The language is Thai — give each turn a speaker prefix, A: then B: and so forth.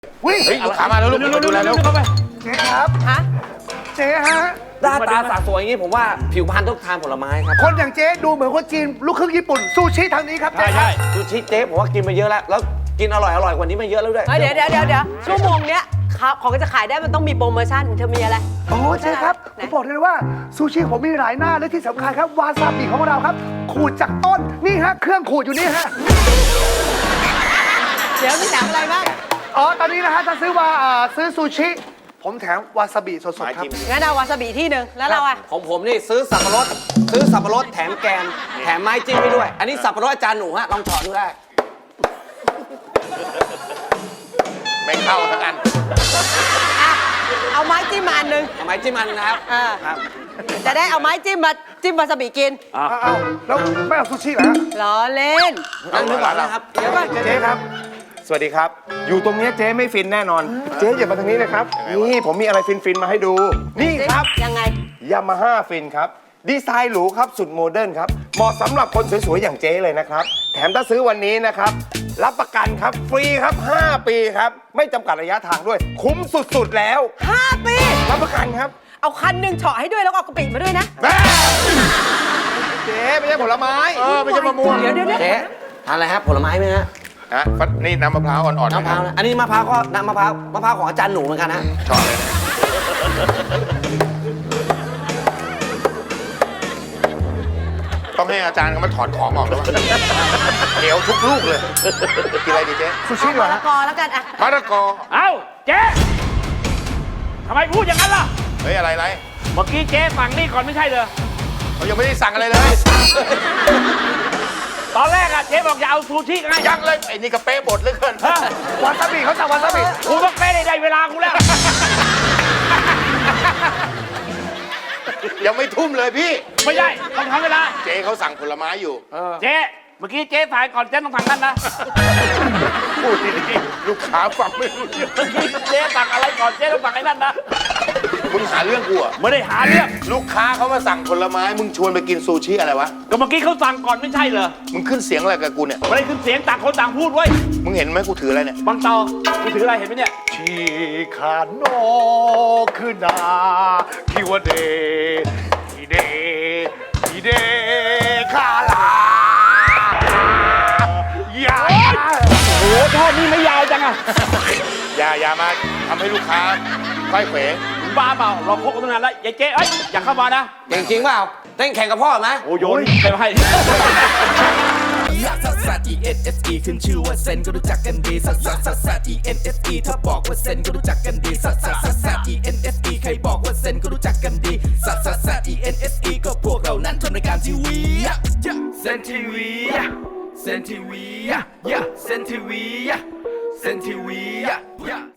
A: วิ่งลูกค้ามาแล้วลูกดูแลแล้วเข้าไปเจ๊ครับฮะเจ๊ฮะ
B: หน้าตาสาสวยอย่างนี้ผมว่าผิวพรรณต้องทานผลไม้ครับ
A: คนอย่างเจ๊ดูเหมือนคนจีนลูกครึ่งญี่ปุ่นซูชิทางนี้ครับใช่
B: ซูชิเจ๊ผมว่ากินมาเยอะแล้วกินอร่อยกว่านี้มาเยอะแล้วด้วย
C: เดี๋ยวชั่วโมงเนี้ยของจะขายได้มันต้องมีโปรโมชั่นเธอมีอะไร
A: โอ้เจ๊ครับผมบอกเลยว่าซูชิผมมีหลายหน้าและที่สำคัญครับวาซาบิของเราครับขูดจากต้นนี่ฮะเครื่องขูดอยู่นี่ฮะ
C: เดี๋ยวมีแถมอะไรบ้าง
A: อ๋อตอนนี้นะฮะจะซื้อซูชิผมแถมวาซาบิสดๆครับ
C: งั้นเอาวาซาบิที่หนึ่งแล้วเราอะ
B: ของผมนี่ซื้อสับปะรดแถมแกนแถมไม้จิ้มให้ด้วยอันนี้สับปะรดอาจารย์หนูฮะลองถอดดูได้
D: ไม่เข้าทั้งอัน
C: เอาไม้จิ้มมาอันนึง
B: เอาไม้จิ้มอันนะครับครับ
C: จะได้เอาไม้จิ้มมาจิ้มวาซาบิกิน
A: เอาแล้วไม่เอาซูชิเหรอ
C: ล้อเล่น
B: นั่งนึกก่อนนะครับ
C: เดี๋ยวก่อน
E: เจ๊ครับสวัสดีครับอยู่ตรงนี้เจ๊ไม่ฟินแน่นอนเจ๊อย่ามาทางนี้นะครับนี่ผมมีอะไรฟินมาให้ดูนี่ครับ
C: ยังไง
E: ยามาฮ่าฟินครับดีไซน์หรูครับสุดโมเดิร์นครับเหมาะสำหรับคนสวยๆอย่างเจ๊เลยนะครับแถมถ้าซื้อวันนี้นะครับรับประกันครับฟรีครับ5 ปีครับไม่จำกัดระยะทางด้วยคุ้มสุดๆแล้ว
C: 5 ปี
E: รับประกันครับ
C: เอาคันหนึ่งเฉาะให้ด้วยแล้วเอากระปิมาด้วยนะ
E: เจ๊ไม่ใช่ผลไม้
D: ไม่ใช่มะม่วง
C: เดี๋ยว
B: เจ๊ทานอะไรครับผลไม้ไหมฮะ
D: นี่น้ำมะพร้าวอ่อนๆ
B: มะพร้าวนะอันนี้มะพร้าวก็น้ำมะพร้าวของอาจารย์หนูเหมือนกันนะ
D: ชอบเลยต้องให้อาจารย์เขามาถอนของออกแล้วเหนียวทุกลูกเลยกินอะไรดีเจ๊
A: ซูชิเหรอ
C: มะละกอแล้วกันอะ
D: มะละกอ
F: เอ้าเจ๊ทำไมพูดอย่างนั้นล่ะ
D: เฮ้ยอะไร
F: เมื่อกี้เจ๊สั่งนี่ก่อนไม่ใช่เหรอ
D: เขายังไม่ได้สั่งอะไรเลย
F: ตอนแรกอะเจ๊บอกจะเอาซูชิไง
D: ยังเลยไอ้นี่กระเป๊ะบดเหลือเกิน
A: วาซาบิเขาสั่งวาซาบิ
F: กูต้องเป๊ะได้เวลากูแล้ว
D: ยังไม่ทุ่มเลยพี่
F: ไม่ใช่ต้องทำเวลา
D: เจ๊เขาสั่งผลไม้อยู่
F: เจ๊เมื่อกี้เจ๊ถ่ายก่อนเจ๊ต้องสั่งนั่นนะ
D: พูดดีๆลูกค้าฟังไม่รู้เรื่อง
F: เมื่อกี้เจ๊สั่งอะไรก่อนเจ๊ต้องสั่งไอ้นั่นนะ
D: มึงหาเรื่องกูอ่ะ
F: ไม่ได้หาเรื่อง
D: ลูกค้าเขามาสั่งผลไม้มึงชวนไปกินซูชิอะไรวะ
F: ก็เมื่อกี้เขาสั่งก่อนไม่ใช่เหรอ
D: มึงขึ้นเสียงอะไรกับกูเนี่ย
F: ไม่ได้ขึ้นเสียงต่างคนต่างพูดเว้ย
D: มึงเห็นไหมกูถืออะไรเนี่ย
F: บางตอกูถืออะไรเห็นไหมเนี่ย
A: ชิคาโนคือนาคิวเดฮิเดคาลายา
F: โอ้โหแค่นี้ไม่ยาวจังอะ
D: อย่ามาทำให้ลูกค้าค่อยเขว
F: บ้าเปล่าเราพกกันตั้งนานแล้วยายเจ๊อย่าเข้ามานะ
B: จริงเปล่าเต้นแข่งกับพ่อไหม
F: โอ้โยนไปให้
G: ลักซัสซัส ENSE ขึ้นชื่อว่าเซนก็รู้จักกันดีซัสซัสซัสซัส ENSE ถ้าบอกว่าเซนก็รู้จักกันดีซัสซัสซัสซัส ENSE ใครบอกว่าเซนก็รู้จักกันดีซัสซัสซัส ENSE ก็พวกเรานั้นทำรายการทีวีเซนทีวีเซนทีวีเซนทีวีเซนทีวี